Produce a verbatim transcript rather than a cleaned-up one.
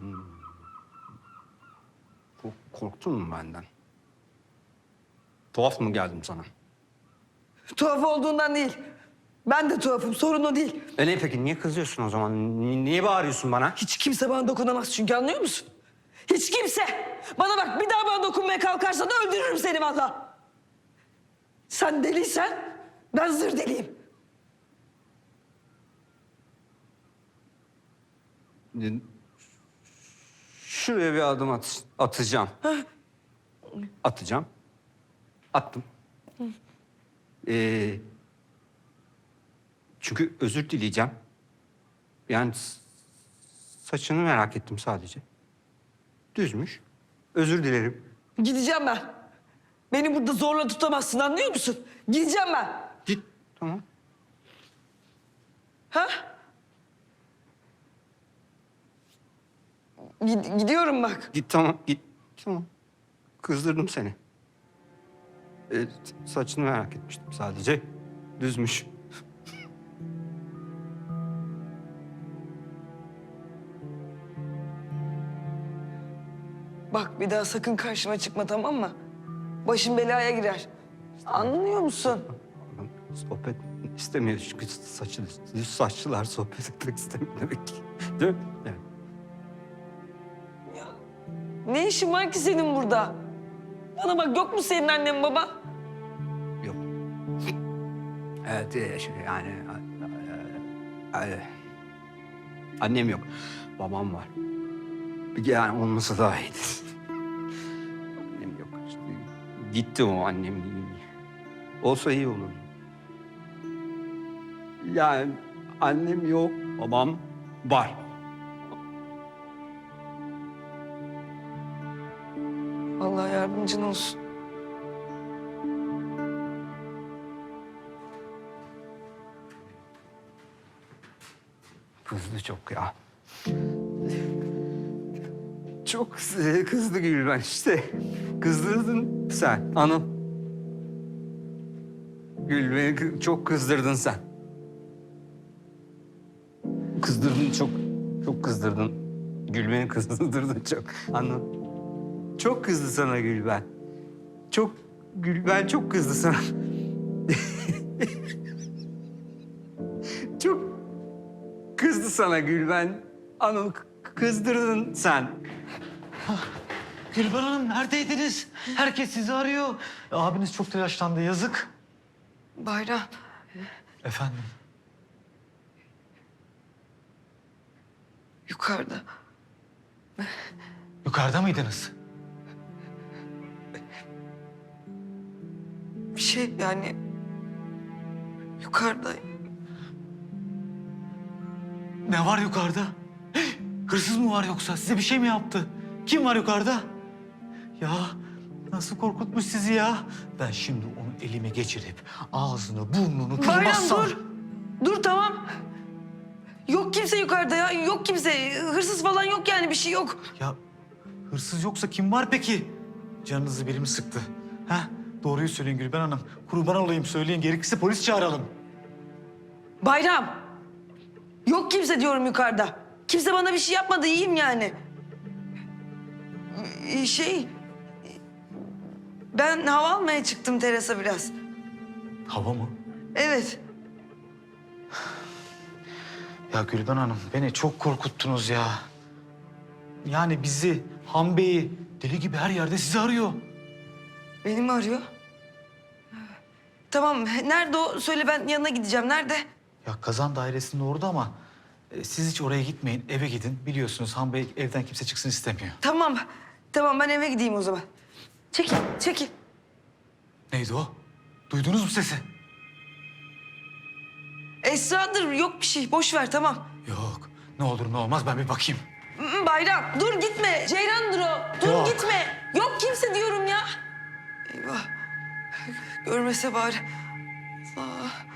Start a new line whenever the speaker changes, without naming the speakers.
Korktun mu benden? Tuhaf mı geldim sana?
Tuhaf olduğundan değil. Ben de tuhafım, sorun o değil.
E ne peki, niye kızıyorsun o zaman? Ni- Niye bağırıyorsun bana?
Hiç kimse bana dokunamaz çünkü, anlıyor musun? Hiç kimse! Bana bak, bir daha bana dokunmaya kalkarsan öldürürüm seni vallahi. Sen deliysen ben zır deliyim.
Şuraya bir adım at atacağım. Atacağım. Attım. Ee, çünkü özür dileyeceğim. Yani s- saçını merak ettim sadece. Düzmüş. Özür dilerim.
Gideceğim ben. Beni burada zorla tutamazsın, anlıyor musun? Gideceğim ben.
Git. Tamam.
Ha? Gid- gidiyorum bak.
Git tamam. Git. Tamam. Kızdırdım seni. Ee, saçını merak etmiştim sadece. Düzmüş.
Bak bir daha sakın karşıma çıkma, tamam mı? Başım belaya girer. Anlıyor musun?
Sohbet istemiyor çünkü saçı düz saçlılar sohbet etmek istemiyor demek ki. Değil mi? Evet.
Ne işin var ki senin burada? Bana bak, yok mu senin annen baban?
Yok. Evet e, şey, yani e, e, e, annem yok. Babam var. Yani olmasa daha iyidir. Annem yok. İşte, gitti o annem. Olsa iyi olur. Yani annem yok, babam var.
Allah yardımcın olsun.
Kızdı çok ya. Çok kızdı, kızdı Gülben işte. Kızdırdın sen Anıl. Gülben'i kı- çok kızdırdın sen. Kızdırdın çok, çok kızdırdın. Gülben'i kızdırdın çok Anıl. Çok kızdı sana Gülben. Çok, Gülben çok kızdı sana. Çok kızdı sana Gülben. Anıl k- kızdırdın sen.
Gülben Hanım neredeydiniz? Herkes sizi arıyor. Abiniz çok telaşlandı, yazık.
Bayram,
Efendim?
yukarıda.
Yukarıda mıydınız?
Bir şey yani... Yukarıda.
Ne var yukarıda? Hih! Hırsız mı var yoksa? Size bir şey mi yaptı? Kim var yukarıda? Ya nasıl korkutmuş sizi ya? Ben şimdi onu elime geçirip ağzını burnunu
Bayram
kırmazsam...
dur. Dur tamam. Yok kimse yukarıda ya. Yok kimse. Hırsız falan yok yani, bir şey yok.
Ya hırsız yoksa kim var peki? Canınızı biri mi sıktı? Ha? Doğruyu söyleyin Gülben Hanım. Kurban olayım söyleyin. Gerekirse polis çağıralım.
Bayram. Yok kimse diyorum yukarıda. Kimse bana bir şey yapmadı, iyiyim yani. Ee, Şey... Ben hava almaya çıktım terasa biraz.
Hava mı?
Evet.
Ya Gülben Hanım beni çok korkuttunuz ya. Yani bizi, Han Bey'i deli gibi her yerde sizi arıyor.
Beni mi arıyor? Tamam, nerede o? Söyle, ben yanına gideceğim. Nerede?
Ya kazan dairesinde orada ama e, siz hiç oraya gitmeyin, eve gidin. Biliyorsunuz Han Bey evden kimse çıksın istemiyor.
Tamam, tamam ben eve gideyim o zaman. Çekil, çekil.
Neydi o? Duydunuz mu sesi?
Esra'dır, yok bir şey. Boş ver, tamam.
Yok, ne olur ne olmaz ben bir bakayım.
Mm, Bayram, dur gitme. Ceylan'dır o. Dur
Yok.
gitme. Yok kimse diyorum ya. Eyvah. Görmese bari. Allah.